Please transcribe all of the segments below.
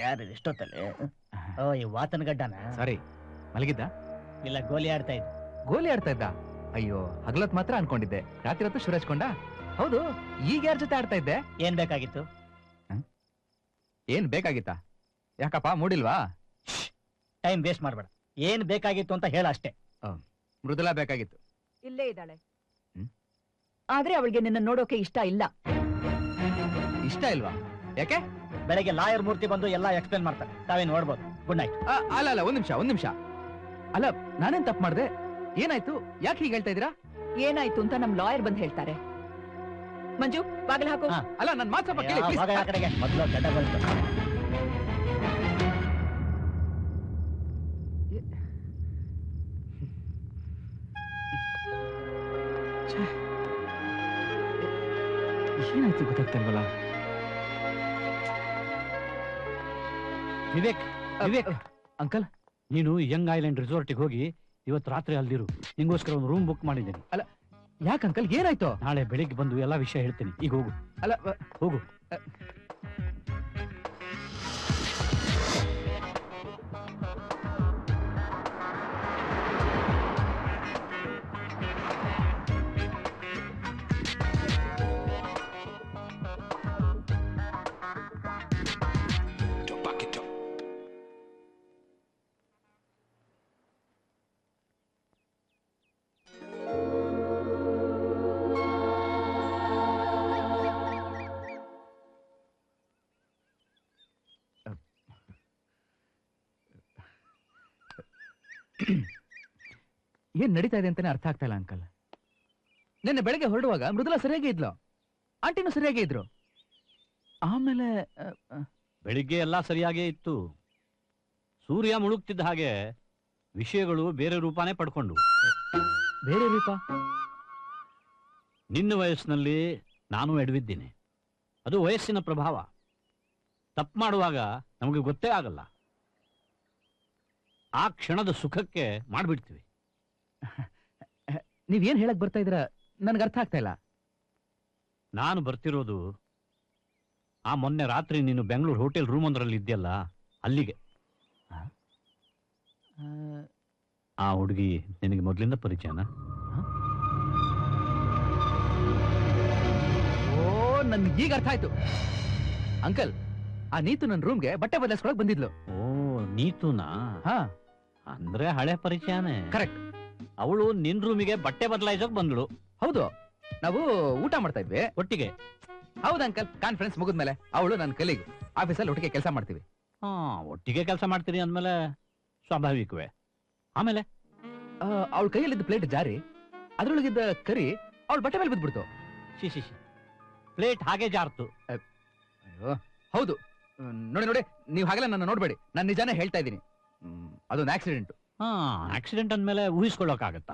ಯಾರು ಎಷ್ಟೊತ್ತಲ್ಲಿ? ಓ, ಈ ವಾತನ ಗಡ್ಡನ? ಸಾರಿ, ಮಲಗಿದ್ದ? ಇಲ್ಲ, ಗೋಲಿ ಆಡ್ತಾ ಇದ್ದ. ಗೋಲಿ ಆಡ್ತಾ ಇದ್ದ? ಅಯ್ಯೋ, ಹಗಲತ್ ಮಾತ್ರ ಅನ್ಕೊಂಡಿದ್ದೆ, ರಾತ್ರಿ ಹೊತ್ತು ಶುರು ಹಚ್ಕೊಂಡ. ಹೌದು, ಈಗ ಯಾರ ಜೊತೆ ಆಡ್ತಾ ಇದ್ದೆ? ಏನ್ ಬೇಕಾಗಿತ್ತು? ಏನ್ ಬೇಕಾಗಿತ್ತಾ? ಯಾಕಪ್ಪ, ಮೂಡಿಲ್ವಾ? ಟೈಮ್ ವೇಸ್ಟ್ ಮಾಡ್ಬೇಡ. ಏನ್ ಬೇಕಾಗಿತ್ತು ಅಂತ ಹೇಳ ಅಷ್ಟೇ. ಮೃದುಲಾ ಬೇಕಾಗಿತ್ತು. ಇಲ್ಲೇ ಇದ್ದಾಳೆ. ಆದ್ರೆ ಅವಳಿಗೆ ನಿನ್ನ ನೋಡೋಕೆ ಇಷ್ಟ ಇಲ್ಲ. ಇಷ್ಟ ಇಲ್ವಾ? ಯಾಕೆ? ಬೆಳಗ್ಗೆ ಲಾಯರ್ ಮೂರ್ತಿ ಬಂದು ಎಲ್ಲ ಎಕ್ಸ್ಪ್ಲೇನ್ ಮಾಡ್ತಾರೆ, ತಾವೇ ನೋಡ್ಬೋದು. Good night. ಅಲ್ಲ, ಒಂದ್ ನಿಮಿಷ. ಅಲ್ಲ, ನಾನೇನ್ ತಪ್ಪು ಮಾಡ್ದೆ? ಏನಾಯ್ತು? ಯಾಕೆ ಹೀಗೆ ಹೇಳ್ತಾ ಇದೀರಾ? ಏನಾಯ್ತು ಅಂತ ನಮ್ ಲಾಯರ್ ಬಂದ್ ಹೇಳ್ತಾರೆ. ಮಂಜು, ಬಾಗಿಲು ಹಾಕು. ಅಲ್ಲ, ನನ್ ಮಾತು ಸ್ವಲ್ಪ ಕೇಳಿ please. ಆ ಕಡೆಗೆ ಮೊದಲು ಗಡ್ಡ ಬಂತು. ಏನಾಯ್ತು ಗೊತ್ತಾಗ್ತಲ್ವಲ್ಲ. ವಿವೇಕ್ ಅಂಕಲ್, ನೀನು ಯಂಗ್ ಐಲ್ಯಾಂಡ್ ರಿಸಾರ್ಟಿಗೆ ಹೋಗಿ ಇವತ್ತು ರಾತ್ರಿ ಅಲ್ಲಿರು. ನಿಂಗೋಸ್ಕರ ಒಂದು ರೂಮ್ ಬುಕ್ ಮಾಡಿದ್ದೀನಿ. ಅಲ್ಲ, ಯಾಕೆ ಅಂಕಲ್, ಏನಾಯ್ತು? ನಾಳೆ ಬೆಳಿಗ್ಗೆ ಬಂದು ಎಲ್ಲಾ ವಿಷಯ ಹೇಳ್ತೀನಿ. ಈಗ ಹೋಗು. ಅಲ್ಲ, ಹೋಗು. ಏನ್ ನಡೀತಾ ಇದೆ ಅಂತಾನೆ ಅರ್ಥ ಆಗ್ತಾ ಇಲ್ಲ ಅಂಕಲ್. ನಿನ್ನೆ ಬೆಳಗ್ಗೆ ಹೊರಡುವಾಗ ಮೃದುಲಾ ಸರಿಯಾಗಿ ಇದ್ಲು, ಆಂಟಿನೂ ಸರಿಯಾಗಿ ಇದ್ರು. ಆಮೇಲೆ ಬೆಳಿಗ್ಗೆ ಎಲ್ಲ ಸರಿಯಾಗೇ ಇತ್ತು. ಸೂರ್ಯ ಮುಳುಗ್ತಿದ್ದ ಹಾಗೆ ವಿಷಯಗಳು ಬೇರೆ ರೂಪಾನೇ ಪಡ್ಕೊಂಡು. ಬೇರೆ ರೂಪ? ನಿನ್ನ ವಯಸ್ಸಿನಲ್ಲಿ ನಾನು ಎಡವಿದ್ದೀನಿ. ಅದು ವಯಸ್ಸಿನ ಪ್ರಭಾವ. ತಪ್ಪು ಮಾಡುವಾಗ ನಮಗೆ ಗೊತ್ತೇ ಆಗಲ್ಲ. ಆ ಕ್ಷಣದ ಸುಖಕ್ಕೆ ಮಾಡ್ಬಿಡ್ತೀವಿ. ನೀವೇನ್ ಹೇಳಕ್ ಬರ್ತಾ ಇದ್ರ ನನ್ಗೆ ಅರ್ಥ ಆಗ್ತಾ ಇಲ್ಲ. ನಾನು ಬರ್ತಿರೋದು ಆ ಮೊನ್ನೆ ರಾತ್ರಿ ನೀನು ಬೆಂಗಳೂರು ಹೋಟೆಲ್ ರೂಮ್ ಒಂದರಲ್ಲಿ ಇದ್ಯಲ್ಲ, ಅಲ್ಲಿಗೆ. ಆ ಹುಡುಗಿ ನಿನಗೆ ಮೊದಲಿಂದ ಪರಿಚಯನಾ? ಓ, ನನ್ಗೆ ಈಗ ಅರ್ಥ ಆಯ್ತು ಅಂಕಲ್. ಆ ನೀತು ನನ್ನ ರೂಮ್ಗೆ ಬಟ್ಟೆ ಬದಲಾಯಿಸ್ಕೊಳಕ್ ಬಂದಿದ್ಲು. ಓ, ನೀತುನಾ? ಹಾ, ಅಂದ್ರೆ ಹಳೆ ಪರಿಚಯನೇ. ಕರೆಕ್ಟ್. ಅವಳು ನಿನ್ ರೂಮಿಗೆ ಬಟ್ಟೆ ಬದಲಾಯಿಸೋಕ್ ಬಂದ್ಳು. ಹೌದು, ನಾವು ಊಟ ಮಾಡ್ತಾ ಇದ್ವಿ ಒಟ್ಟಿಗೆ. ಹೌದು ಅಂಕಲ್, ಕಾನ್ಫರೆನ್ಸ್ ಮುಗಿದ್ಮೇಲೆ ಅವಳು ನನ್ನ ಕಲೀಗ್, ಆಫೀಸಲ್ಲಿ ಒಟ್ಟಿಗೆ ಕೆಲಸ ಮಾಡ್ತೀವಿ. ಒಟ್ಟಿಗೆ ಕೆಲಸ ಮಾಡ್ತೀರಿ ಅಂದ್ಮೇಲೆ ಸ್ವಾಭಾವಿಕವೇ. ಆಮೇಲೆ ಅವಳ ಕೈಯಲ್ಲಿದ್ದ ಪ್ಲೇಟ್ ಜಾರಿ ಅದ್ರೊಳಗಿದ್ದ ಕರಿ ಅವಳ ಬಟ್ಟೆ ಮೇಲೆ ಬಿದ್ಬಿಡ್ತು. ಶಿಶಿ, ಪ್ಲೇಟ್ ಹಾಗೆ ಜಾರ್ತು. ಅಯ್ಯೋ, ಹೌದು. ನೋಡಿ, ನೀವು ಹಾಗೆಲ್ಲ ನನ್ನ ನೋಡ್ಬೇಡಿ, ನಾನು ನಿಜಾನೇ ಹೇಳ್ತಾ ಇದ್ದೀನಿ. ಅದೊಂದು ಆಕ್ಸಿಡೆಂಟ್. ಆಕ್ಸಿಡೆಂಟ್ ಅಂದ್ಮೇಲೆ ಊಹಿಸ್ಕೊಳ್ಳೋಕ್ಕಾಗತ್ತಾ?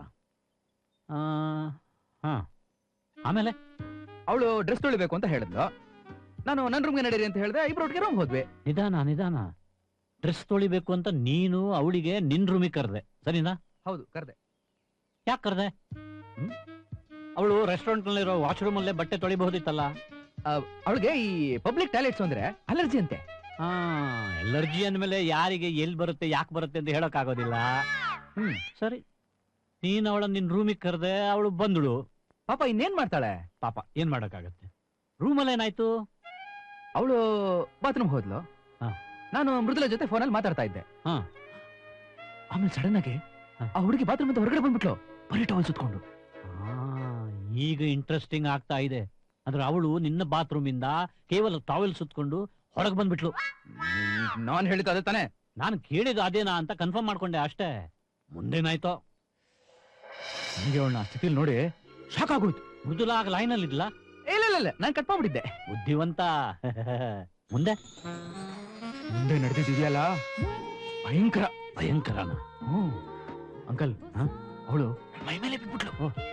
ಆಮೇಲೆ ಅವಳು ಡ್ರೆಸ್ ತೊಳಿಬೇಕು ಅಂತ ಹೇಳಿದ್ಲು. ನಾನು ನನ್ನ ರೂಮ್ಗೆ ನಡೀರಿ ಅಂತ ಹೇಳಿದೆ, ಇಬ್ರು ಒಟ್ಟಿಗೆ ರೂಮ್ ಹೋದ್ವಿ. ನಿಧಾನ. ಡ್ರೆಸ್ ತೊಳಿಬೇಕು ಅಂತ ನೀನು ಅವಳಿಗೆ ನಿನ್ ರೂಮಿಗೆ ಕರೆದೆ, ಸರಿನಾ? ಹೌದು, ಕರೆದೆ. ಯಾಕೆ ಕರೆದೆ? ಅವಳು ರೆಸ್ಟೋರೆಂಟ್ ನಲ್ಲಿರೋ ವಾಶ್ರೂಮ್ ಅಲ್ಲೇ ಬಟ್ಟೆ ತೊಳಿಬಹುದಿತ್ತಲ್ಲ. ಅವಳಿಗೆ ಈ ಪಬ್ಲಿಕ್ ಟಾಯ್ಲೆಟ್ಸ್ ಅಂದ್ರೆ ಅಲರ್ಜಿ ಅಂತೆ. ಎಲರ್ಜಿ ಅಂದ್ಮೇಲೆ ಯಾರಿಗೆ ಎಲ್ಲಿ ಬರುತ್ತೆ, ಯಾಕೆ ಬರುತ್ತೆ ಅಂತ ಹೇಳಕ್ ಆಗೋದಿಲ್ಲ. ಸರಿ, ನೀನ್ ಅವಳ ನಿನ್ ರೂಮಿಗೆ ಕರೆದೆ, ಅವಳು ಬಂದಳು. ಪಾಪ ಇನ್ನೇನ್ ಮಾಡ್ತಾಳೆ? ಪಾಪ ಏನ್ ಮಾಡಕ್ಕಾಗತ್ತೆ? ರೂಮಲ್ಲಿ ಏನಾಯ್ತು? ಅವಳು ಬಾತ್ರೂಮ್ ಹೋದ್ಲು. ನಾನು ಮೃದುಲಾ ಜೊತೆ ಫೋನಲ್ಲಿ ಮಾತಾಡ್ತಾ ಇದ್ದೆ. ಆಮೇಲೆ ಸಡನ್ ಆಗಿ ಆ ಹುಡುಗಿ ಬಾತ್ರೂಮ್ ಇಂದ ಹೊರಗಡೆ ಬಂದ್ಬಿಟ್ಲು, ಬರೀ ಟವಲ್ ಸುತ್ಕೊಂಡು. ಈಗ ಇಂಟ್ರೆಸ್ಟಿಂಗ್ ಆಗ್ತಾ ಇದೆ. ಅಂದ್ರೆ ಅವಳು ನಿನ್ನ ಬಾತ್ರೂಮ್ ಇಂದ ಕೇವಲ ಟವಲ್ ಸುತ್ಕೊಂಡು ಹೊರಗೆ ಬಂದ್ಬಿಟ್ಲು. ನಾನ್ ಹೇಳಿದ್ದು ಅದೇ ತಾನೆ? ನಾನು ಕೇಳಿದ್ದು ಅದೇನಾ ಅಂತ ಕನ್ಫರ್ಮ್ ಮಾಡ್ಕೊಂಡೆ ಅಷ್ಟೇ. ಮುಂದೇನಾಯ್ತೋ? ನನಗೆ ಅವಳನ್ನ ಸ್ಥಿತಿಲಿ ನೋಡಿ ಶಾಕ್ ಆಗೋಯ್ತು. ಮೃದುಲಾ ಲೈನ್ ಅಲ್ಲಿ ಇದ್ಲ? ಇಲ್ಲ, ನಾನು ಕಟ್ ಮಾಡ್ಬಿಟ್ಟಿದ್ದೆ. ಬುದ್ಧಿವಂತ. ಮುಂದೆ ನಡೆದಿದೆಯಲ್ಲ, ಭಯಂಕರನ? ಅಂಕಲ್, ಅವಳು ಮೈ ಮೇಲೆ ಬಿಟ್ಬಿಟ್ಲು.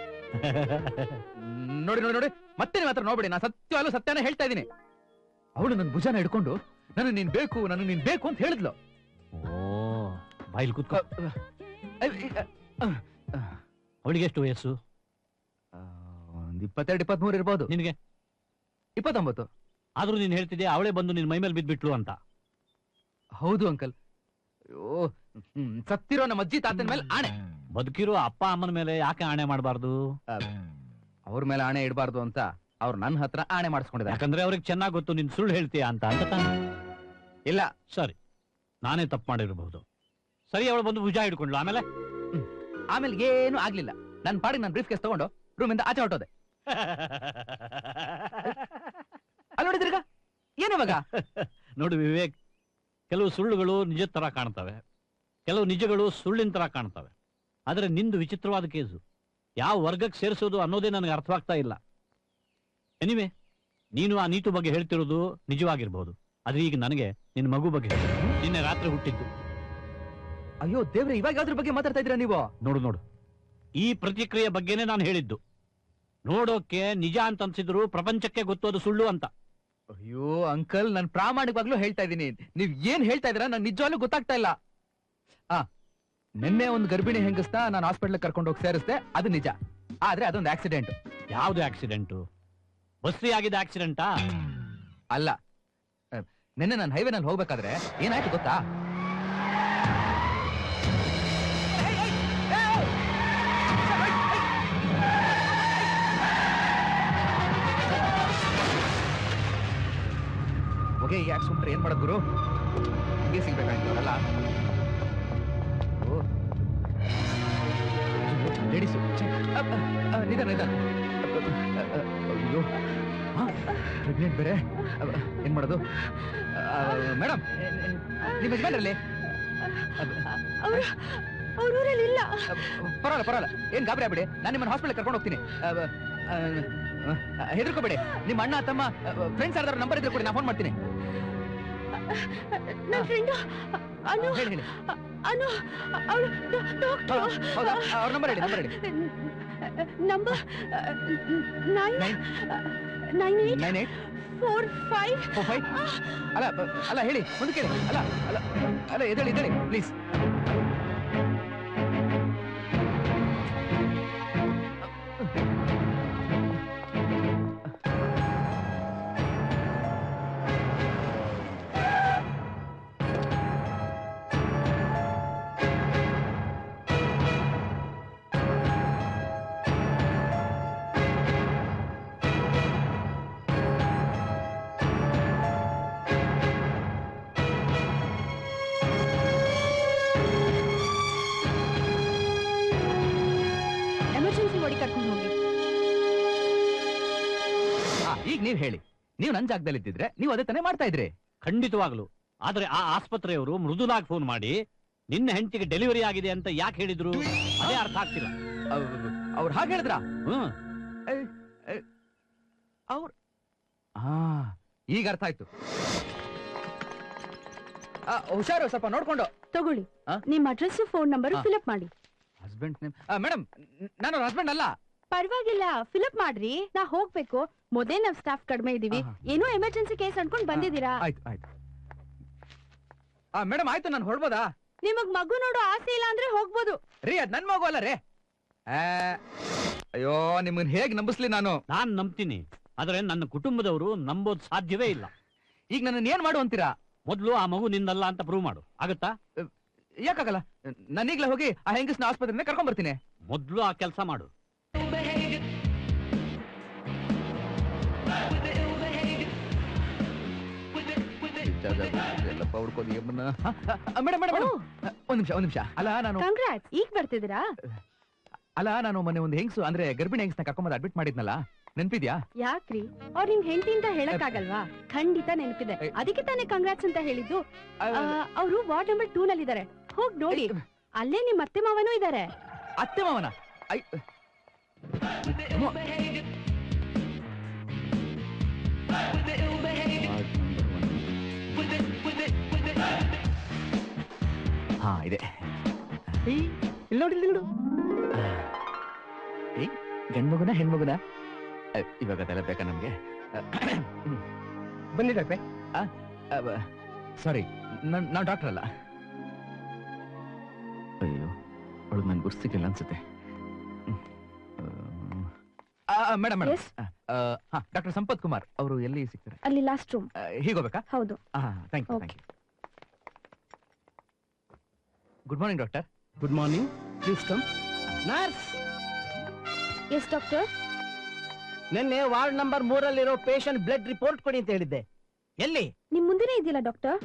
ನೋಡಿ, ಮತ್ತೆ ನೀವು ಹತ್ರ ನೋಡ್ಬೇಡಿ, ನಾನು ಸತ್ಯನೇ ಹೇಳ್ತಾ ಇದ್ದೀನಿ. ಅವಳು ನನ್ನ ಭುಜಾನ ಹಿಡ್ಕೊಂಡು ನನಗೆ ನೀನ್ ಬೇಕು ಅಂತ ಹೇಳಿದ್ಲು. ಓ, ಬಾಯಿಲ್ ಕೂತ್ಕೋ. ಅವಳಿಗೆ ಎಷ್ಟು ವಯಸ್ಸು? ಒಂದು 22-23 ಇರ್ಬೋದು. ನಿನಗೆ 29. ಆದ್ರೂ ನೀನ್ ಹೇಳ್ತಿದ್ಯಾ ಅವಳೇ ಬಂದು ನಿನ್ ಮೈ ಮೇಲೆ ಬಿದ್ಬಿಟ್ಲು ಅಂತ. ಹೌದು ಅಂಕಲ್. ಅಯ್ಯೋ, ಸತ್ತಿರೋ ನಮ್ಮ ಅಜ್ಜಿ ತಾತನ ಮೇಲೆ ಆಣೆ. ಬದುಕಿರೋ ಅಪ್ಪ ಅಮ್ಮನ ಮೇಲೆ ಯಾಕೆ ಆಣೆ ಮಾಡಬಾರ್ದು? ಅವ್ರ ಮೇಲೆ ಆಣೆ ಇಡಬಾರ್ದು ಅಂತ ಅವ್ರು ನನ್ನ ಹತ್ರ ಆಣೆ ಮಾಡಿಸ್ಕೊಂಡಿದ್ದಾರೆ. ಯಾಕಂದ್ರೆ ಅವ್ರಿಗೆ ಚೆನ್ನಾಗ್ ಗೊತ್ತು ನೀನ್ ಸುಳ್ಳು ಹೇಳ್ತೀಯ ಅಂತ ತಾನೆ? ಇಲ್ಲ. ಸರಿ, ನಾನೇ ತಪ್ಪು ಮಾಡಿರಬಹುದು. ಸರಿ, ಅವಳು ಬಂದು ಭುಜ ಹಿಡ್ಕೊಂಡ್ಲು. ಆಮೇಲೆ ಆಮೇಲೆ ಏನು ಆಗ್ಲಿಲ್ಲ. ನನ್ನ ಪಾಡಿಗೆ ನಾನು ಬ್ರೀಫ್ ಕೇಸ್ ತಗೊಂಡು ರೂಮಿಂದ ಆಚೆ ಹೊರಟೋದೆ. ಅಲ್ಲಿ ನೋಡಿದ್ರೀಗ ಏನಿವಾಗ? ನೋಡು ವಿವೇಕ್, ಕೆಲವು ಸುಳ್ಳುಗಳು ನಿಜದ ತರ ಕಾಣ್ತವೆ, ಕೆಲವು ನಿಜಗಳು ಸುಳ್ಳಿನ ತರ ಕಾಣ್ತವೆ. ಆದ್ರೆ ನಿಂದು ವಿಚಿತ್ರವಾದ ಕೇಸು. ಯಾವ ವರ್ಗಕ್ಕೆ ಸೇರಿಸೋದು ಅನ್ನೋದೇ ನನಗೆ ಅರ್ಥವಾಗ್ತಾ ಇಲ್ಲ. ಎನಿವೆ, ನೀನು ಆ ನೀತು ಬಗ್ಗೆ ಹೇಳ್ತಿರೋದು ನಿಜವಾಗಿರ್ಬಹುದು. ಆದ್ರೆ ಈಗ ನನಗೆ ನಿನ್ನ ಮಗು ಬಗ್ಗೆ ಹೇಳಿ. ನಿನ್ನೆ ರಾತ್ರಿ ಹುಟ್ಟಿದ್ದು. ಅಯ್ಯೋ ದೇವ್ರೆ, ಇವಾಗ ಅದ್ರ ಬಗ್ಗೆ ಮಾತಾಡ್ತಾ ಇದ್ದೀರಾ ನೀವು? ನೋಡು ನೋಡು, ಈ ಪ್ರತಿಕ್ರಿಯೆ ಬಗ್ಗೆನೇ ನಾನು ಹೇಳಿದ್ದು. ನೋಡೋಕೆ ನಿಜ ಅಂತ ಅನ್ಸಿದ್ರು ಪ್ರಪಂಚಕ್ಕೆ ಗೊತ್ತೋದು ಸುಳ್ಳು ಅಂತ. ಅಯ್ಯೋ ಅಂಕಲ್, ನಾನು ಪ್ರಾಮಾಣಿಕವಾಗ್ಲೂ ಹೇಳ್ತಾ ಇದ್ದೀನಿ. ನೀವ್ ಏನ್ ಹೇಳ್ತಾ ಇದ್ದೀರಾ ನಂಗೆ ನಿಜವಾಗ್ಲೂ ಗೊತ್ತಾಗ್ತಾ ಇಲ್ಲ. ನಿನ್ನೆ ಒಂದು ಗರ್ಭಿಣಿ ಹೆಂಗಸ್ನ ನಾನು ಹಾಸ್ಪಿಟಲ್ ಕರ್ಕೊಂಡು ಹೋಗಿ ಸೇರಿಸ್ದೆ, ಅದು ನಿಜ. ಆದ್ರೆ ಅದೊಂದು ಆಕ್ಸಿಡೆಂಟ್. ಯಾವ್ದು ಆಕ್ಸಿಡೆಂಟು? ಬಸ್ರಿ ಆಗಿದ್ದ ಆಕ್ಸಿಡೆಂಟಾ? ಅಲ್ಲ, ನಿನ್ನೆ ನಾನು ಹೈವೇನಲ್ಲಿ ಹೋಗ್ಬೇಕಾದ್ರೆ ಏನಾಯ್ತು ಗೊತ್ತಾ? ಹೊಗೆ ಯಾಕೆ ಸುಮ್ರೆ ಏನ್ ಮಾಡೋದು ಗುರು? ಹೀಗೆ ಸಿಗ್ಬೇಕಾಗಿತ್ತಲ್ಲ. ಲೇಡೀಸು ನಿಧಾನ ನಿಧಾನ. ಅಯ್ಯೋ, ಪ್ರೆಗ್ನೆಂಟ್ ಬೇರೆ. ಏನ್ ಮಾಡೋದು? ಮೇಡಮ್, ನಿಮ್ಮ ಯಜಮಾನ್ರಲ್ಲಿ? ಇಲ್ಲ. ಪರವಾಗಿಲ್ಲ ಪರವಾಗಿಲ್ಲ, ಏನ್ ಗಾಬರಿ ಆಗ್ಬಿಡಿ. ನಾನು ನಿಮ್ಮನ್ನ ಹಾಸ್ಪಿಟಲ್ ಕರ್ಕೊಂಡು ಹೋಗ್ತೀನಿ. ಹೆದರ್ಕೋಬೇಡಿ. ನಿಮ್ಮ ಅಣ್ಣ ತಮ್ಮ ಫ್ರೆಂಡ್ಸ್ ಯಾರ್ದಾರು ನಂಬರ್ ಇದ್ರೆ ಕೊಡಿ, ನಾನು ಫೋನ್ ಮಾಡ್ತೀನಿ. ಹೇಳಿ ಹೇಳಿ. ಹೌದಾ? ಅವ್ರ ನಂಬರ್ ಹೇಳಿ, ನಂಬರ್ ಹೇಳಿ. ನಂಬರ್ 9845. ಅಲ್ಲ ಅಲ್ಲ, ಹೇಳಿ ಮುಂದಕ್ಕೆ ಹೇಳಿ. ಅಲ್ಲ ಅಲ್ಲ ಅಲ್ಲ, ಎದ್ದೇಳಿ ಎದ್ದೇಳಿ ಪ್ಲೀಸ್. ಈಗ ನೀವ್ ಹೇಳಿ, ನೀವು ನನ್ ಜಾಗದಲ್ಲಿ ಇದ್ದಿದ್ರೆ ನೀವು ಅದೇ ತಾನೇ ಮಾಡ್ತಾ ಇದ್ರಿ? ಖಂಡಿತವಾಗ್ಲು. ಆದ್ರೆ ಆ ಆಸ್ಪತ್ರೆಯವರು ಮೃದುಲಾಗಿ ಫೋನ್ ಮಾಡಿ ನಿನ್ನ ಹೆಂಡತಿಗೆ ಡೆಲಿವರಿ ಆಗಿದೆ ಅಂತ ಯಾಕೆ ಹೇಳಿದ್ರು ಅದೇ ಅರ್ಥ ಆಗ್ತಿಲ್ಲ. ಅವ್ರು ಹಾಗೆ ಹೇಳಿದ್ರ? ಈಗ ಅರ್ಥ ಆಯ್ತು. ಹುಷಾರು, ಸ್ವಲ್ಪ ನೋಡ್ಕೊಂಡು ತಗೊಳ್ಳಿ. ನಿಮ್ ಅಡ್ರೆಸ್ ಫೋನ್ ನಂಬರ್ ಫಿಲ್ಅಪ್ ಮಾಡಿ. Husband name? ಮೇಡಮ್, ನಾನು ಹಸ್ಬೆಂಡ್ ಅಲ್ಲ. ಪರವಾಗಿಲ್ಲ, ಫಿಲ್ಅಪ್ ಮಾಡ್ರಿ. ನಾ ಹೋಗ್ಬೇಕು. ಮೊದಲೇ ನಾವ್ ಸ್ಟಾಫ್ ಕಡಿಮೆ ಇದೀವಿ. ಏನೋ ಎಮರ್ಜೆನ್ಸಿ ಕೇಸ್ ಅನ್ಕೊಂಡ್ ಬಂದಿದ್ದೀರಾ. ಆಯ್ತು ಆಯ್ತು. ಮೇಡಮ್ ಆಯ್ತು, ನಾನು ಹೊರಡ್ಬೋದಾ? ನಿಮಗ್ ಮಗು ನೋಡೋ ಆಸೆ ಇಲ್ಲ ಅಂದ್ರೆ ಹೋಗ್ಬೋದು ರೀ. ಅದ್ ನನ್ ಮಗು ಅಲ್ಲ ರೀ. ಅಯ್ಯೋ, ನಿಮ್ಮನ್ ಹೇಗ್ ನಂಬಿಸ್ಲಿ ನಾನು? ನಾನ್ ನಂಬ್ತೀನಿ, ಆದ್ರೆ ನನ್ನ ಕುಟುಂಬದವರು ನಂಬೋದ್ ಸಾಧ್ಯವೇ ಇಲ್ಲ. ಈಗ ನನ್ನ ಏನ್ ಮಾಡು ಅಂತೀರಾ? ಮೊದ್ಲು ಆ ಮಗು ನಿಂದಲ್ಲ ಅಂತ ಪ್ರೂವ್ ಮಾಡು. ಆಗತ್ತಾ? ಯಾಕಾಗಲ್ಲ, ನಾನೀಗ್ಲೇ ಹೋಗಿ ಆ ಹೆಂಗಸ್ನ ಆಸ್ಪತ್ರೆಯಿಂದ ಕರ್ಕೊಂಡ್ ಬರ್ತೀನಿ. ಮೊದ್ಲು ಆ ಕೆಲಸ ಮಾಡು. ಒಂದ್ ನಿಮಿಷ. ಅಲ್ಲ ನಾನು ಈಗ ಬರ್ತಿದ್ದೀರಾ? ಅಲ್ಲ, ನಾನು ಮೊನ್ನೆ ಒಂದು ಹೆಂಗ್ಸು ಅಂದ್ರೆ ಗರ್ಭಿಣಿ ಹೆಂಗ್ಸ್ನ ಕರ್ಕೊಂಡ್ ಅಡ್ಮಿಟ್ ಮಾಡಿದ್ನಲ್ಲ, ನೆನ್ಪಿದ್ಯಾ? ಯಾಕ್ರಿ, ಅವ್ರ ನಿಮ್ ಹೆಂಡತಿ ಅಂತ ಹೇಳಕ್ ಆಗಲ್ವಾ? ಖಂಡಿತ ನೆನಪಿದೆ. ಅದಕ್ಕೆ ತಾನೇ ಕಂಗ್ರಾಟ್ಸ್ ಅಂತ ಹೇಳಿದ್ದು. ಅವರು ವಾರ್ಡ್ ನಂಬರ್ 2 ನಲ್ಲಿ ಇದಾರೆ. ಹೋಗ್ ನೋಡಿ, ಅಲ್ಲೇ ನಿಮ್ ಅತ್ತೆ ಮಾವನೂ ಇದಾರೆ. ಅತ್ತೆ ಮಾವನ? ಹಾ, ಇದೆ. ಇಲ್ಲಿ ನೋಡಿ, ಇಲ್ಲಿ ನೋಡು. ಗಂಡ್ಮಗುನ ಹೆಣ್ಮಗುನ? ಇವಾಗ ಅದೆಲ್ಲ ಬೇಕಾ ನಮ್ಗೆ? ಬನ್ನಿ ಡಾಕ್ಟ್ರೆ. ಸಾರಿ, ನಾವು ಡಾಕ್ಟರ್ ಅಲ್ಲ. ಅಯ್ಯೋ, ಅವಳು ನನ್ ಗುರ್ಸಿಕ್ಕಿಲ್ಲ ಅನ್ಸುತ್ತೆ. Madam madam, doctor Sampath Kumar ಅವರು ಎಲ್ಲಿ ಸಿಗ್ತಾರೆ? ಅಲ್ಲಿ ಲಾಸ್ಟ್ ರೂಮ್. ಹೀಗೋಬೇಕಾ? ಹೌದು. Thank you thank you. Good morning doctor. Good morning, please come. Nurse, yes doctor. ನಿನ್ನೆ ward number 3 patient blood report ಕೊಡಿ ಅಂತ ಹೇಳಿದ್ದೆ. ಎಲ್ಲಿ? ನಿಮ್ ಮುಂದೆನೇ ಇದೆಯಲ್ಲ ಡಾಕ್ಟರ್.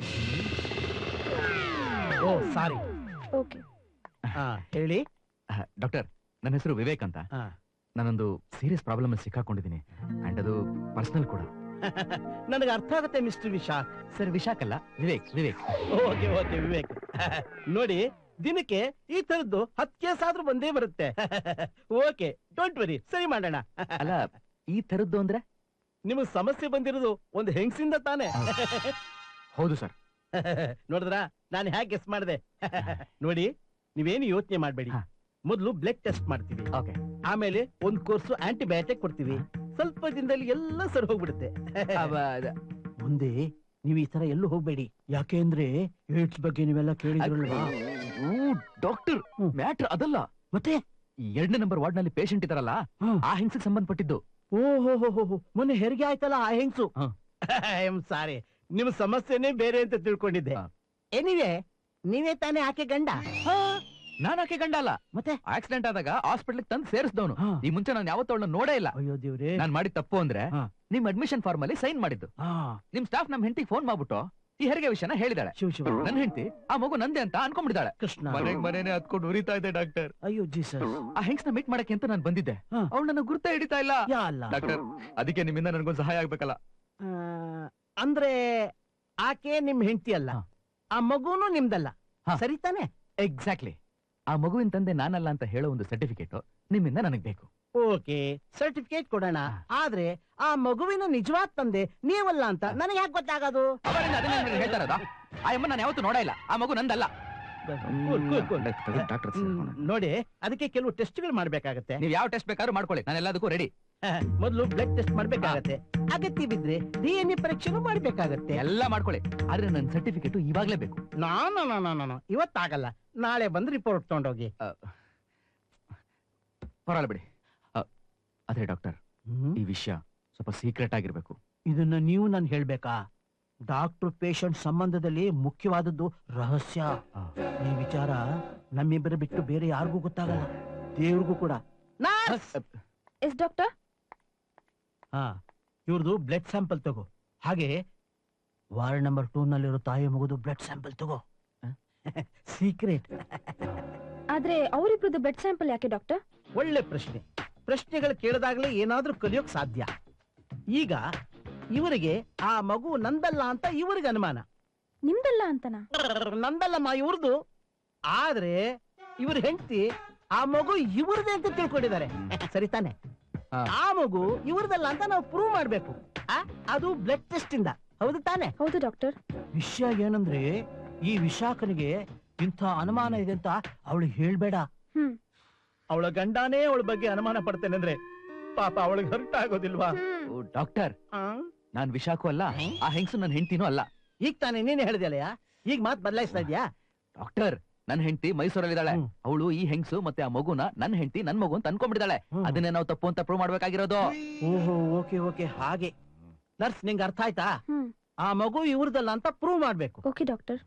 Oh sorry. ಓಕೆ. ಹೇಳಿ. ಡಾಕ್ಟರ್, ನನ್ನ ಹೆಸರು ವಿವೇಕ್ ಅಂತ. ನಾನೊಂದು ಸೀರಿಯಸ್ ಪ್ರಾಬ್ಲಮ್ ಅಲ್ಲಿ ಸಿಕ್ಕಾಕೊಂಡಿದ್ದೀನಿ, ಅಂಡ್ ಅದು ಪರ್ಸನಲ್ ಕೂಡ. ನನಗೆ ಅರ್ಥ ಆಗುತ್ತೆ ಮಿಸ್ಟರ್ ವಿಶಾಖ್. ಸರ್, ವಿಶಾಖ್ ಅಲ್ಲ, ವಿವೇಕ್. ವಿವೇಕ್. Okay okay Vivek. ನೋಡಿ, ದಿನಕ್ಕೆ ಈ ತರದ್ದು 10 ಕೇಸ್ ಆದ್ರೂ ಬಂದೇ ಬರುತ್ತೆ. ಓಕೆ, ಡೋಂಟ್ ವರಿ, ಸರಿ ಮಾಡೋಣ. ಅಲ್ಲ, ಈ ತರದ್ದು ಅಂದ್ರೆ? ನಿಮಗ್ ಸಮಸ್ಯೆ ಬಂದಿರೋದು ಒಂದು ಹೆಂಗಸಿಂದ ತಾನೆ? ಹೌದು ಸರ್. ನೋಡಿದ್ರ ನಾನು ಹೇಗೆ ಗೆಸ್ ಮಾಡಿದೆ? ನೋಡಿ, ನೀವೇನು ಯೋಚನೆ ಮಾಡ್ಬೇಡಿ. ಮೊದಲು ಬ್ಲಡ್ ಟೆಸ್ಟ್ ಮಾಡ್ತೀವಿ, ಆಮೇಲೆ ಒಂದು ಕೋರ್ಸ್ ಆಂಟಿಬಯೋಟಿಕ್ ಕೊಡ್ತೀವಿ. ಸ್ವಲ್ಪ ದಿನದಲ್ಲಿ ಎಲ್ಲ ಸರಿ ಹೋಗ್ಬಿಡುತ್ತೆ. ಮುಂದೆ ನೀವು ಈ ತರ ಎಲ್ಲೂ ಹೋಗ್ಬೇಡಿ, ಯಾಕೆಂದ್ರೆ ಏಡ್ಸ್ ಬಗ್ಗೆ ನೀವೆಲ್ಲ ಕೇಳಿದ್ರಲ್ವಾ? ಡಾಕ್ಟರ್, ಮ್ಯಾಟರ್ ಅದಲ್ಲ. ಮತ್ತೆ 2ನೇ ನಂಬರ್ ವಾರ್ಡ್ ನಲ್ಲಿ ಪೇಷಂಟ್ ಇದಾರಲ್ಲ, ಆ ಹೆಂಗಸಿಗೆ ಸಂಬಂಧಪಟ್ಟಿದ್ದು. ಓಹೋ, ಮೊನ್ನೆ ಹೆರಿಗೆ ಆಯ್ತಲ್ಲ ಆ ಹೆಂಗಸು. ಐ ಆಮ್ ಸಾರಿ, ನಿಮ್ ಸಮಸ್ಯೆನೇ ಬೇರೆ ಅಂತ ತಿಳ್ಕೊಂಡಿದ್ದೆ. ಎನಿವೆ, ನೀವೇ ತಾನೇ ಆಕೆ ಗಂಡ? ನಾನು ಆಕೆ ಗಂಡ ಅಲ್ಲ. ಮತ್ತೆ ಆಕ್ಸಿಡೆಂಟ್ ಆದಾಗ ಹಾಸ್ಪಿಟಲ್ ತಂದು ಸೇರಿಸಿದವನು. ಈ ಮುಂಚೆ ನಾನು ಯಾವತ್ತೂ ಅವಳನ್ನ ನೋಡೇ ಇಲ್ಲ. ಅಯ್ಯೋ ದೇವ್ರೆ, ನಾನ್ ಮಾಡಿದ ತಪ್ಪು ಅಂದ್ರೆ ನಿಮ್ ಅಡ್ಮಿಷನ್ ಫಾರ್ಮ್ ಅಲ್ಲಿ ಸೈನ್ ಮಾಡಿದ್ದು. ನಿಮ್ ಸ್ಟಾಫ್ ನಮ್ ಹೆಂಡತಿಗೆ ಫೋನ್ ಮಾಡ್ಬಿಟ್ಟು ಈ ಹೆರಿಗೆ ವಿಷಯನ ಹೇಳಿದಾಳೆ. ನನ್ ಹೆಂಡತಿ ಆ ಮಗು ನಂದೆ ಅಂತ ಅನ್ಕೊಂಡ್ಬಿಡಿದಾಳೆ. ಕೃಷ್ಣ, ಮನೇನೆ ಹತ್ಕೊಂಡು ಉರಿತಾ ಇದೆ ಡಾಕ್ಟರ್. ಅಯ್ಯೋ ಜೀಸಸ್. ಆ ಹೆಂಗ್ಸ್ನ ಮೀಟ್ ಮಾಡಕ್ಕೆ ಅಂತ ನಾನು ಬಂದಿದ್ದೆ. ಅವಳು ನನ್ನ ಗುರ್ತ ಹಿಡಿತಾ ಇಲ್ಲ ಡಾಕ್ಟರ್. ಅದಕ್ಕೆ ನಿಮ್ಮಿಂದ ನನ್ಗೊಂದು ಸಹಾಯ ಆಗ್ಬೇಕಲ್ಲ. ಅಂದ್ರೆ ಆಕೆ ನಿಮ್ ಹೆಂಡತಿ ಅಲ್ಲ, ಆ ಮಗುನು ನಿಮ್ದಲ್ಲ, ಸರಿ ತಾನೆ? ಎಕ್ಸಾಕ್ಟ್ಲಿ. ಆ ಮಗುವಿನ ತಂದೆ ನಾನಲ್ಲ ಅಂತ ಹೇಳೋ ಒಂದು ಸರ್ಟಿಫಿಕೇಟ್ ನಿಮ್ಮಿಂದ ನನಗ್ ಬೇಕು. ಓಕೆ, ಸರ್ಟಿಫಿಕೇಟ್ ಕೊಡೋಣ. ಆದ್ರೆ ಆ ಮಗುವಿನ ನಿಜವಾದ ತಂದೆ ನೀವಲ್ಲ ಅಂತ ನನಗೆ ಯಾಕೆ ಗೊತ್ತಾಗೋದು? ಹೇಳ್ತಾರದ ಆ ಅಮ್ಮ ನಾನು ಯಾವತ್ತೂ ನೋಡ ಇಲ್ಲ. ಆ ಮಗು ನಂದಲ್ಲ. ನೋಡಿ, ಅದಕ್ಕೆ ಕೆಲವು ಟೆಸ್ಟ್ಗಳು ಮಾಡ್ಬೇಕಾಗತ್ತೆ. ನೀವ್ ಯಾವ ಟೆಸ್ಟ್ ಬೇಕಾದ್ರೂ ಮಾಡ್ಕೊಳ್ಳಿ, ನಾನು ಎಲ್ಲದಕ್ಕೂ ರೆಡಿ. ಮೊದಲು ಬ್ಲಡ್ ಟೆಸ್ಟ್ ಮಾಡ್ಬೇಕಾಗತ್ತೆ, ಅಗತ್ಯ ಬಿದ್ರೆ DNA ಪರೀಕ್ಷೆನೂ ಮಾಡ್ಬೇಕಾಗತ್ತೆ. ಎಲ್ಲ ಮಾಡ್ಕೊಳ್ಳಿ, ಆದ್ರೆ ನನ್ನ ಸರ್ಟಿಫಿಕೇಟ್ ಇವಾಗ್ಲೇ ಬೇಕು. ನಾನು ಇವತ್ತಾಗಲ್ಲ, ನಾಳೆ ಬಂದು ರಿಪೋರ್ಟ್ ತಗೊಂಡೋಗಿ. ಪರವಾಗಿಲ್ಲ ಬಿಡಿ. ಅದೇ ಡಾಕ್ಟರ್, ಈ ವಿಷಯ ಸ್ವಲ್ಪ ಸೀಕ್ರೆಟ್ ಆಗಿರ್ಬೇಕು. ಇದನ್ನ ನೀವು ನಾನು ಹೇಳ್ಬೇಕಾ? ಡಾಕ್ಟರ್ ಪೇಷಂಟ್ ಸಂಬಂಧದಲ್ಲಿ ಮುಖ್ಯವಾದದ್ದು ರಹಸ್ಯ. ಈ ವಿಚಾರ ನಮ್ಮಿಬ್ಬರ ಬಿಟ್ಟು ಬೇರೆ ಯಾರಿಗೂ ಗೊತ್ತಾಗಲ್ಲ, ದೇವ್ರಿಗೂ ಕೂಡ. Yes doctor. ಇವ್ರದ್ದು ಬ್ಲಡ್ ಸ್ಯಾಂಪಲ್ ತಗೋ. ಹಾಗೆ ವಾರ್ಡ್ ನಂಬರ್ 2 ನಲ್ಲಿರೋ ತಾಯಿ ಮಗುದು ಬ್ಲಡ್ ಸ್ಯಾಂಪಲ್ ತಗೋ. ಸೀಕ್ರೆಟ್. ಆದ್ರೆ ಅವರಿಬ್ರದ್ದು ಬ್ಲಡ್ ಸ್ಯಾಂಪಲ್ ಯಾಕೆ ಡಾಕ್ಟರ್? ಒಳ್ಳೆ ಪ್ರಶ್ನೆ. ಪ್ರಶ್ನೆಗಳು ಕೇಳಿದಾಗಲೇ ಏನಾದ್ರೂ ಕಲಿಯೋಕ್ ಸಾಧ್ಯ. ಈಗ ಇವರಿಗೆ ಆ ಮಗು ನಂದಲ್ಲ ಅಂತ ಇವರಿಗೆ ಅನುಮಾನ. ನಿಮ್ದಲ್ಲ ಅಂತನಾ? ನಂದಲ್ಲಮ್ಮ, ಇವ್ರದ್ದು. ಆದ್ರೆ ಇವ್ರ ಹೆಂಡತಿ ಆ ಮಗು ಇವ್ರದೇ ಅಂತ ತಿಳ್ಕೊಂಡಿದ್ದಾರೆ, ಸರಿ ತಾನೆ? ಆ ಮಗು ಇವ್ರದಲ್ಲ ಅಂತ ನಾವು ಪ್ರೂವ್ ಮಾಡ್ಬೇಕು. ಅದು ಬ್ಲಡ್ ಟೆಸ್ಟ್ ಇಂದ, ಹೌದು ತಾನೆ? ಹೌದು ಡಾಕ್ಟರ್. ವಿಷಯ ಏನಂದ್ರೆ, ಈ ವಿಶಾಖನಿಗೆ ಇಂಥ ಅನುಮಾನ ಇದೆ ಅಂತ ಅವಳಿಗೆ ಹೇಳ್ಬೇಡ. ಅವಳ ಗಂಡನೇ ಅವಳ ಬಗ್ಗೆ ಅನುಮಾನ ಪಡ್ತೇನೆ ಅಂದ್ರೆ ಪಾಪ ಅವಳಿಗೆ ಹರ್ಟ್ ಆಗೋದಿಲ್ವಾ? ಡಾಕ್ಟರ್, ನಾನ್ ವಿಶಾಖು ಅಲ್ಲ, ಆ ಹೆಂಗಸು ನನ್ನ ಹೆಂಡತಿನೂ ಅಲ್ಲ. ಈಗ ತಾನೇ ನೀನೇ ಹೇಳಿದೆಯಲ್ಲ, ಈಗ ಮಾತು ಬದಲಾಯಿಸ್ತಾ ಇದ್ಯಾ? ಡಾಕ್ಟರ್, ನನ್ನ ಹೆಂಡತಿ ಮೈಸೂರಲ್ಲಿದ್ದಾಳೆ. ಅವಳು ಈ ಹೆಂಗಸು ಮತ್ತೆ ಆ ಮಗುನ ನನ್ನ ಹೆಂಡತಿ ನನ್ ಮಗು ಅಂತ ಅನ್ಕೊಂಡ್ಬಿಟ್ಟಿದ್ದಾಳೆ. ಅದನ್ನೇ ನಾವು ತಪ್ಪು ಅಂತ ಪ್ರೂವ್ ಮಾಡ್ಬೇಕಾಗಿರೋದು. ಓಹೋ, ಓಕೆ ಓಕೆ, ಹಾಗೆ. ನರ್ಸ್, ನಿಂಗೆ ಅರ್ಥ ಆಯ್ತಾ? ಆ ಮಗು ಇವ್ರದಲ್ಲ ಅಂತ ಪ್ರೂವ್ ಮಾಡ್ಬೇಕು. Okay doctor.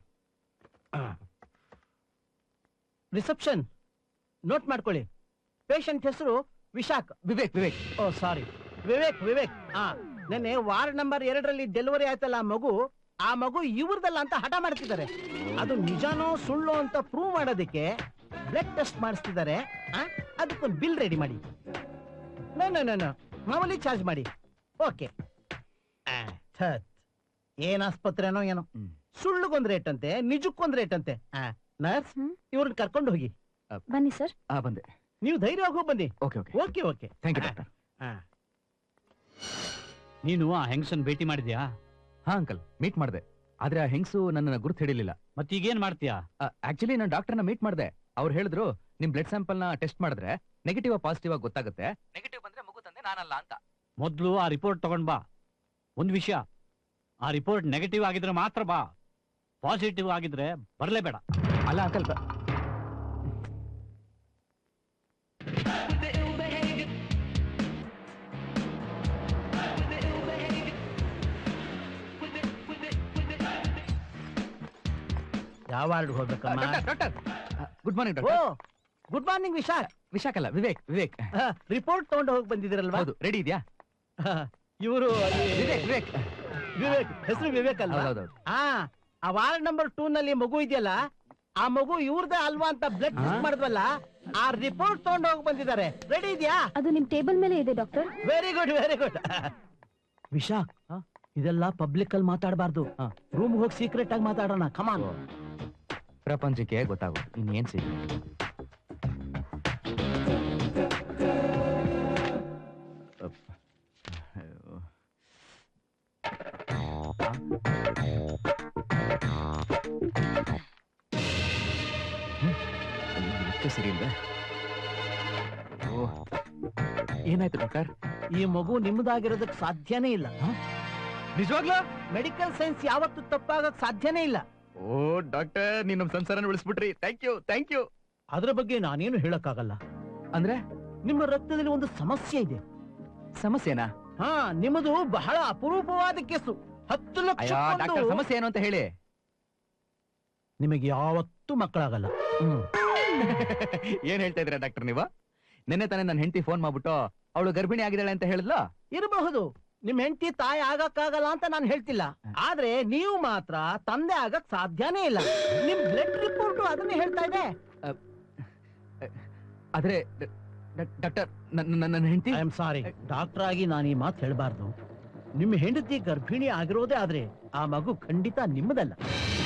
ರಿಸೆಪ್ಷನ್ ನೋಟ್ ಮಾಡ್ಕೊಳ್ಳಿ. ಪೇಷಂಟ್ ಹೆಸರು ವಿಶಾಖ್. ವಿವೇಕ್. ವಿವೇಕ್. ಓ ಸಾರಿ, ವಿವೇಕ್. ವಿವೇಕ್. ನೆನ್ನೆ ವಾರ್ಡ್ ನಂಬರ್ 2ರಲ್ಲಿ ಡೆಲಿವರಿ ಆಯ್ತಲ್ಲ ಆ ಮಗು ಇವ್ರದಲ್ಲ ಅಂತ ಹಠ ಮಾಡ್ತಿದ್ದಾರೆ. ಅದು ನಿಜಾನೋ ಸುಳ್ಳು ಅಂತ ಪ್ರೂವ್ ಮಾಡೋದಕ್ಕೆ ಬ್ಲಡ್ ಟೆಸ್ಟ್ ಮಾಡಿಸ್ತಿದ್ದಾರೆ. ಅದಕ್ಕೊಂದು ಬಿಲ್ ರೆಡಿ ಮಾಡಿ. ಮಾಮೂಲಿ ಚಾರ್ಜ್ ಮಾಡಿ. ಓಕೆ. ಏನ್ ಆಸ್ಪತ್ರೆನೋ ಏನೋ, ಸುಳ್ಳುಗೊಂದ್ ರೇಟ್ ಅಂತೆ, ನಿಜಕ್ಕೊಂದ್ ರೇಟ್ ಅಂತೆ. ನರ್ಸ್, ಇವ್ರನ್ನ ಕರ್ಕೊಂಡು ಹೋಗಿ. ಬನ್ನಿ ಸರ್. ಬಂದೆ. ನೀವು ಧೈರ್ಯವಾಗಿ ಹೋಗಿ ಬನ್ನಿ. Okay okay okay okay. Thank you doctor. ನೀನು ಆ ಹೆಂಗಸನ್ ಭೇಟಿ ಮಾಡಿದ್ಯಾ? ಹಾ ಅಂಕಲ್, ಮೀಟ್ ಮಾಡಿದೆ. ಆದ್ರೆ ಆ ಹೆಂಗಸು ನನ್ನ ಗುರುತು ಹಿಡಿಲಿಲ್ಲ. ಮತ್ತೀಗೇನ್ ಮಾಡ್ತೀಯಾ? ಆಕ್ಚುಲಿ ನಾನು ಡಾಕ್ಟರ್ನ ಮೀಟ್ ಮಾಡಿದೆ. ಅವ್ರು ಹೇಳಿದ್ರು ನಿಮ್ ಬ್ಲಡ್ ಸ್ಯಾಂಪಲ್ ನ ಟೆಸ್ಟ್ ಮಾಡಿದ್ರೆ ನೆಗೆಟಿವ್ ಪಾಸಿಟಿವ್ ಆಗಿ ಗೊತ್ತಾಗುತ್ತೆ. ನೆಗೆಟಿವ್ ಬಂದ್ರೆ ಮಗು ತಂದೆ ನಾನಲ್ಲ ಅಂತ. ಮೊದ್ಲು ಆ ರಿಪೋರ್ಟ್ ತಗೊಂಡ್ ಬಾ. ಒಂದ್ ವಿಷಯ, ಆ ರಿಪೋರ್ಟ್ ನೆಗೆಟಿವ್ ಆಗಿದ್ರೆ ಮಾತ್ರ ಬಾ, ಪಾಸಿಟಿವ್ ಆಗಿದ್ರೆ ಬರ್ಲೇಬೇಡ. ಅಲ್ಲ ಅಂಕಲ್, ಯಾವ ವಾರ್ಡ್ ಹೋಗ್ಬೇಕಮ್ಮ? ಡಾಕ್ಟರ್ ಗುಡ್ ಮಾರ್ನಿಂಗ್ ಓ doctor. Good morning Vishakh. Vishakh ಅಲ್ಲ, ವಿವೇಕ್. ವಿವೇಕ್ ರಿಪೋರ್ಟ್ ತಗೊಂಡು ಹೋಗಿ ಬಂದಿದ್ದೀರಲ್ವಾ? ಹೌದು, ರೆಡಿ ಇದೆಯಾ? ಇವರು ವಿವೇಕ್ ವಿವೇಕ್ ವಿವೇಕ್, ಹೆಸರು ವಿವೇಕ್ ಅಲ್ವಾ? ಹೌದೌದು. ಆ ವಾರ್ಡ್ ನಂಬರ್ 2 ನಲ್ಲಿ ಮಗು ಇದೆಯಲ್ಲ, ಆ ಮಗು ಇವ್ರದೇ ಅಲ್ವಾ ಅಂತ ಬ್ಲಡ್ ಟೆಸ್ಟ್ ಮಾಡಿದ್ವಲ್ಲ, ಆ ರಿಪೋರ್ಟ್ ತಗೊಂಡು ಹೋಗಿ ಬಂದಿದ್ದಾರೆ. ರೆಡಿ ಇದೆಯಾ? ಅದು ನಿಮ್ ಟೇಬಲ್ ಮೇಲೆ ಇದೆ doctor. Very good very good. Vishakh, ಇದೆಲ್ಲ ಪಬ್ಲಿಕ್ ಅಲ್ಲಿ ಮಾತಾಡಬಾರ್ದು. ರೂಮ್ ಹೋಗಿ ಸೀಕ್ರೆಟ್ ಆಗಿ ಮಾತಾಡೋಣ. ಕಮಾನ್. ಪ್ರಪಂಚಕ್ಕೆ ಗೊತ್ತಾಗೋದು ಇನ್ನೇನ್ ಸಿಗ. ಸರಿ ಇಲ್ವೇ? ಏನಾಯ್ತು ಡಾಕ್ಟರ್? ಈ ಮಗು ನಿಮ್ಮದಾಗಿರೋದಕ್ಕೆ ಸಾಧ್ಯನೇ ಇಲ್ಲ. ನಿಜವಾಗ್ಲೂ? ಮೆಡಿಕಲ್ ಸೈನ್ಸ್ ಯಾವತ್ತೂ ತಪ್ಪಾಗಕ್ ಸಾಧ್ಯನೇ ಇಲ್ಲ. ಓ ಡಾಕ್ಟರ್, ನೀನ್ ನಮ್ ಸಂಸಾರನ ಉಳಿಸ್ಬಿಟ್ರಿ. Thank you thank you. ಅದ್ರ ಬಗ್ಗೆ ನಾನೇನು ಹೇಳಕ್ಕಾಗಲ್ಲ. ಅಂದ್ರೆ ನಿಮ್ಮ ರಕ್ತದಲ್ಲಿ ಒಂದು ಸಮಸ್ಯೆ ಇದೆ. ಸಮಸ್ಯೆನಾ? ನಿಮ್ಮದು ಬಹಳ ಅಪರೂಪವಾದ ಕೇಸು. 10 ಲಕ್ಷ. ಡಾಕ್ಟರ್, ಸಮಸ್ಯೆ ಏನು ಅಂತ ಹೇಳಿ. ನಿಮಗೆ ಯಾವತ್ತೂ ಮಕ್ಕಳಾಗಲ್ಲ. ಏನ್ ಹೇಳ್ತಾ ಇದ್ದೀರಾ ಡಾಕ್ಟರ್ ನೀವು? ನಿನ್ನೆ ತಾನೇ ನನ್ನ ಹೆಂಡತಿ ಫೋನ್ ಮಾಡ್ಬಿಟ್ಟು ಅವಳು ಗರ್ಭಿಣಿ ಆಗಿದ್ದಾಳೆ ಅಂತ ಹೇಳಿದ್ಲ. ಇರಬಹುದು, ನಿಮ್ ಹೆಂಡತಿ ತಾಯಿ ಆಗಕ್ಕಾಗಲ್ಲ ಅಂತ ನಾನು ಹೇಳ್ತಿಲ್ಲ. ಆದ್ರೆ ನೀವು ಮಾತ್ರ ತಂದೆ ಆಗಕ್ ಸಾಧ್ಯನೇ ಇಲ್ಲ. ನಿಮ್ ಬ್ಲಡ್ ರಿಪೋರ್ಟ್ ಅದನ್ನೇ ಹೇಳ್ತಾ ಇದೆ. ಆದ್ರೆ ಡಾಕ್ಟರ್, ನನ್ನ ಹೆಂಡತಿ. ಐ ಆಮ್ ಸಾರಿ, ಡಾಕ್ಟರ್ ಆಗಿ ನಾನು ಈ ಮಾತು ಹೇಳ್ಬಾರ್ದು. ನಿಮ್ಮ ಹೆಂಡತಿ ಗರ್ಭಿಣಿ ಆಗಿರೋದೇ ಆದ್ರೆ ಆ ಮಗು ಖಂಡಿತ ನಿಮ್ಮದಲ್ಲ.